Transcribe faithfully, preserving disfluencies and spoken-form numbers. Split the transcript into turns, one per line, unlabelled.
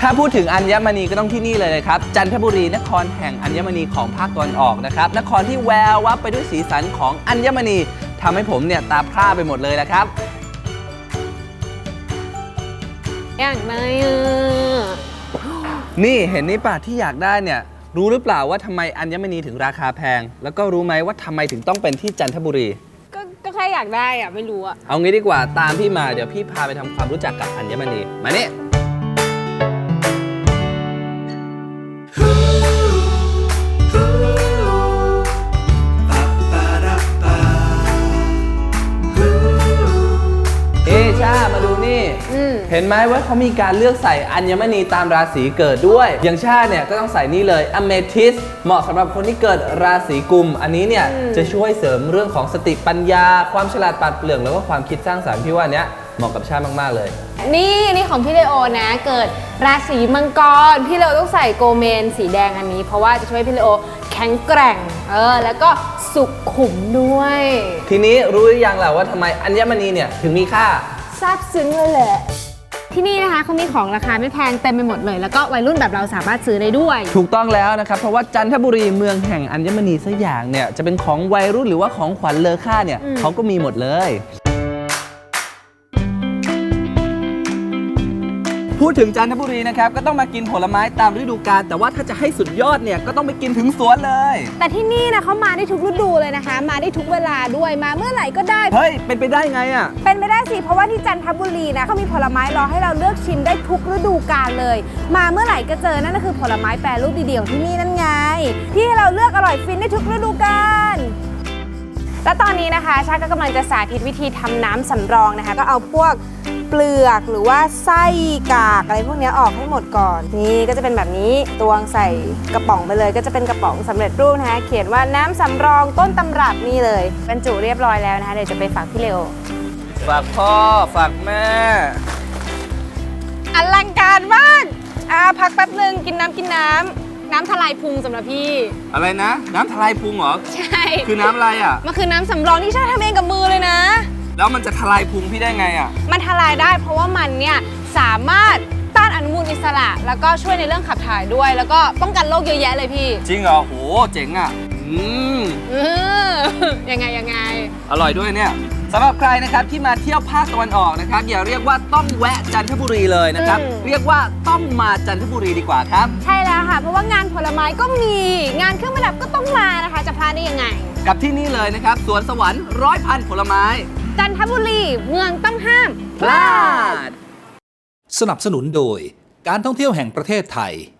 ถ้าพูดถึงอัญมณีก็ต้องที่นี่เลยนะครับจันทบุรีนครแห่งอัญมณีของภาคตะวันออกนะครับนครที่แวววับไปด้วยสีสันของอัญมณีทำให้ผมเนี่ยตาพร่าไปหมดเลยนะครับ
อยากได้อ่ะ
นี่เห็นนี่ป่ะที่อยากได้เนี่ยรู้หรือเปล่าว่าทำไมอัญมณีถึงราคาแพงแล้วก็รู้ไหมว่าทำไมถึงต้องเป็นที่จันทบุรี
ก็ก็แค่อยากได้อ่ะไม่รู้อ่ะ
เอางี้ดีกว่าตามพี่มาเดี๋ยวพี่พาไปทำความรู้จักกับอัญมณีมานี่เอชามาดูนี่เห็นไหมว่าเขามีการเลือกใส่อัญมณีตามราศีเกิดด้วยอย่างชาเนี่ยก็ต้องใส่นี่เลยอเมทิสเหมาะสำหรับคนที่เกิดราศีกุมอันนี้เนี่ยจะช่วยเสริมเรื่องของสติปัญญาความฉลาดปราดเปรื่องแล้วก็ความคิดสร้างสรรค์พี่ว่าเนี้ยเหมาะกับชามากๆเลย
นี่นี่ของพี่เลโอนะเกิดราศีมังกรพี่เลโอต้องใส่โกเมนสีแดงอันนี้เพราะว่าจะช่วยพี่เลโอแข็งแกร่งเออแล้วก็สุขุมด้วย
ทีนี้รู้หรือยังล่ะว่าทำไมอัญมณีเนี่ยถึงมีค่า
ซาบซึ้งเลยแหละที่นี่นะคะเขามีของราคาไม่แพงเต็มไปหมดเลยแล้วก็วัยรุ่นแบบเราสามารถซื้อได้ด้วย
ถูกต้องแล้วนะครับเพราะว่าจันทบุรีเมืองแห่งอัญมณีสักอย่างเนี่ยจะเป็นของวัยรุ่นหรือว่าของขวัญเลอค่าเนี่ยเขาก็มีหมดเลยพูดถึงจันทบุรีนะครับก็ต้องมากินผลไม้ตามฤดูกาลแต่ว่าถ้าจะให้สุดยอดเนี่ยก็ต้องไปกินถึงสวนเลย
แต่ที่นี่นะเขามาได้ทุกฤดูเลยนะคะมาได้ทุกเวลาด้วยมาเมื่อไหร่ก็ได้
เฮ้ยเป็นไปได้ไงอ่ะ
เป็นไปได้สิเพราะว่าที่จันทบุรีนะเขามีผลไม้รอให้เราเลือกชิมได้ทุกฤดูกาลเลยมาเมื่อไหร่ก็เจอนั่นก็คือผลไม้แปรรูปดีๆของที่นี่นั่นไงที่ให้เราเลือกอร่อยฟินได้ทุกฤดูกาลและตอนนี้นะคะชาก็กำลังจะสาธิตวิธีทำน้ำสำรองนะคะก็เอาพวกเปลือกหรือว่าไส้กากอะไรพวกนี้ออกให้หมดก่อนนี่ก็จะเป็นแบบนี้ตวงใส่กระป๋องไปเลยก็จะเป็นกระป๋องสำเร็จรูปนะคะเขียนว่าน้ำสำรองต้นตำรับนี่เลยบรรจุเรียบร้อยแล้วนะคะเดี๋ยวจะไปฝากพี่เลโอ
ฝากพ่อฝากแม่
อลังการมากอ่าพักแป๊บนึงกินน้ำกินน้ำน้ำทลายพุงสำหรับพี่
อะไรนะน้ำทลายพุงเหรอ
ใช่
คือน้ำอะไรอ่ะ
มันคือน้ำสำรองที่ชาทำเองกับมือเลยนะ
แล้วมันจะทลายพุงพี่ได้ไงอ่ะ
มันทลายได้เพราะว่ามันเนี่ยสามารถต้านอนุมูลอิสระแล้วก็ช่วยในเรื่องขับถ่ายด้วยแล้วก็ป้องกันโรคเยอะแยะเลยพี่
จริงเหรอโหเจ๋งอ่ะอืม
ยังไงยังไง
อร่อยด้วยเนี่ยสำหรับใครนะครับที่มาเที่ยวภาคตะวันออกนะครับอย่าเรียกว่าต้องแวะจันทบุรีเลยนะครับเรียกว่าต้องมาจันทบุรีดีกว่าครับ
ใช่แล้วค่ะเพราะว่างานผลไม้ก็มีงานเครื่องประดับก็ต้องมานะคะจะพลาดได้ยังไง
กับที่นี่เลยนะครับสวนสวรรค์ร้อยพันผลไม้
จันทบุรีเมืองต้องห้าม
พลาด
สนับสนุนโดยการท่องเที่ยวแห่งประเทศไทย